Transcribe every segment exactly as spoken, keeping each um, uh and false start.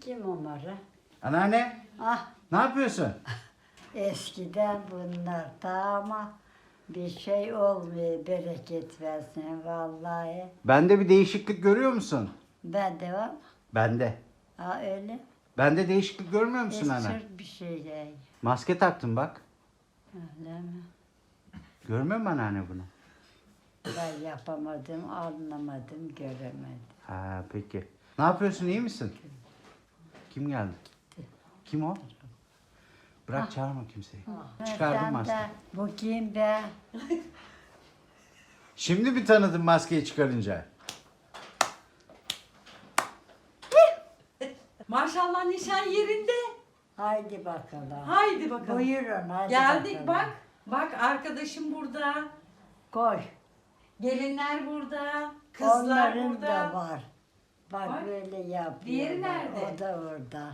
Kim onları? Anneanne, Ah, ne yapıyorsun? eskiden bunlar da ama bir şey olmuyor, bereket versin vallahi. Bende bir değişiklik görüyor musun? Ben de var. Bende. Ha öyle. Bende değişiklik görmüyor musun anne? Esir bir şey yani. Maske taktım bak. Öyle mi? Görmüyor musun anneanne bunu? Ben yapamadım, anlamadım, göremedim. Ha peki. Ne yapıyorsun, iyi misin? Kim geldi? Kim o? Bırak çağırma kimseyi. Çıkardım Sen maskeyi. de, bu kim be? Şimdi bir tanıdım maskeyi çıkarınca. Maşallah nişan yerinde. Haydi bakalım. Haydi bakalım. Buyurun hadi Geldik bakalım. bak. Bak arkadaşım burada. Koy. Gelinler burada. Kızlar Onların burada. da var. Bak Bak. böyle yapıyor. Diğeri nerede? O da orada.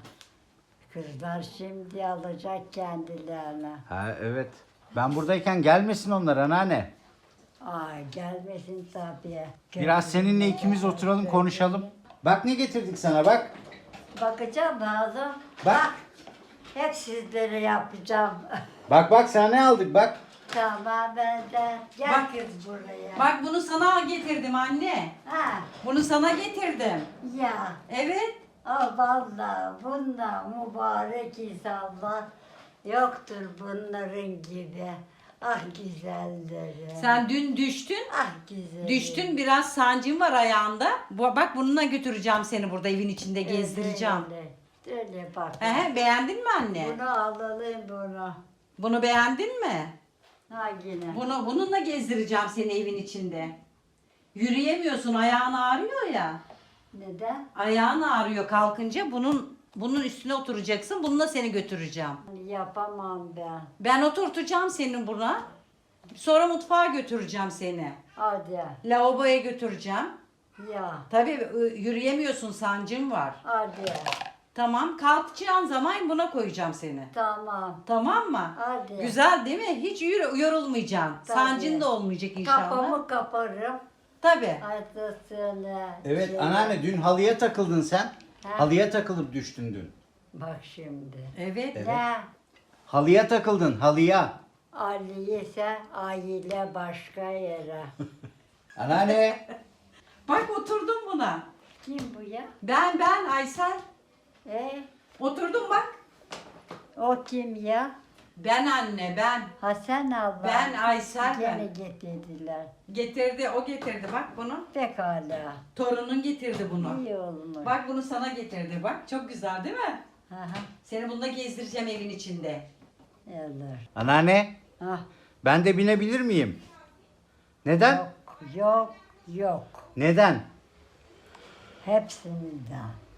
Kızlar şimdi alacak kendilerine. Ha evet. Ben buradayken gelmesin onlar anneanne. Ay gelmesin tabii. Biraz seninle ikimiz oturalım konuşalım. Bak ne getirdik sana bak. Bakacağım lazım. Bak. Hep sizlere yapacağım. Bak bak sana ne aldık bak. Tamam ben de. Gel Bak. kız buraya. Bak bunu sana getirdim anne. Ha, Bunu sana getirdim. ya. Evet. Aa, vallahi bunlar mübarek insanlar yoktur bunların gibi. Ah güzelleri. Sen dün düştün. Ah güzel. Düştün, biraz sancın var ayağında. Bu- Bak bununla götüreceğim seni burada evin içinde gezdireceğim. Öyle, öyle bak. Ehe, beğendin mi anne? Bunu alalım bunu. Bunu beğendin mi? Ha yine. Bunu bununla gezdireceğim seni evin içinde. Yürüyemiyorsun, ayağın ağrıyor ya. Neden? Ayağın ağrıyor kalkınca bunun bunun üstüne oturacaksın. Bununla seni götüreceğim. Yapamam ben. Ben oturtacağım seni buna. Sonra mutfağa götüreceğim seni. Hadi. Lavaboya götüreceğim. Ya. Tabii ı, yürüyemiyorsun, sancın var. Hadi. Tamam, kalkacağın zaman buna koyacağım seni. Tamam. Tamam mı? Hadi. Güzel değil mi? Hiç yürü, yorulmayacaksın. Tabii. Sancın da olmayacak inşallah. Kafamı kaparım. Tabii. Hadi söyle. Evet Şey- anneanne dün halıya takıldın sen. Ha. Halıya takılıp düştün dün. Bak şimdi. Evet. Evet. Ne? Halıya takıldın halıya. Ali ise aile başka yere. Anneanne. Bak oturdum buna. Kim bu ya? Ben ben Aysel. E, Oturdum bak. o kim ya? Ben anne ben. Hasan abla. Ben Aysel Gene ben. getirdiler. Getirdi o getirdi bak bunu. Pekala. Torunun getirdi bunu. İyi olmuş. Bak bunu sana getirdi bak. Çok güzel değil mi? Aha, Seni bununla gezdireceğim evin içinde. olur. Anneanne. Ah, Ben de binebilir miyim? Neden? yok, yok, yok. Neden? Hepsinden.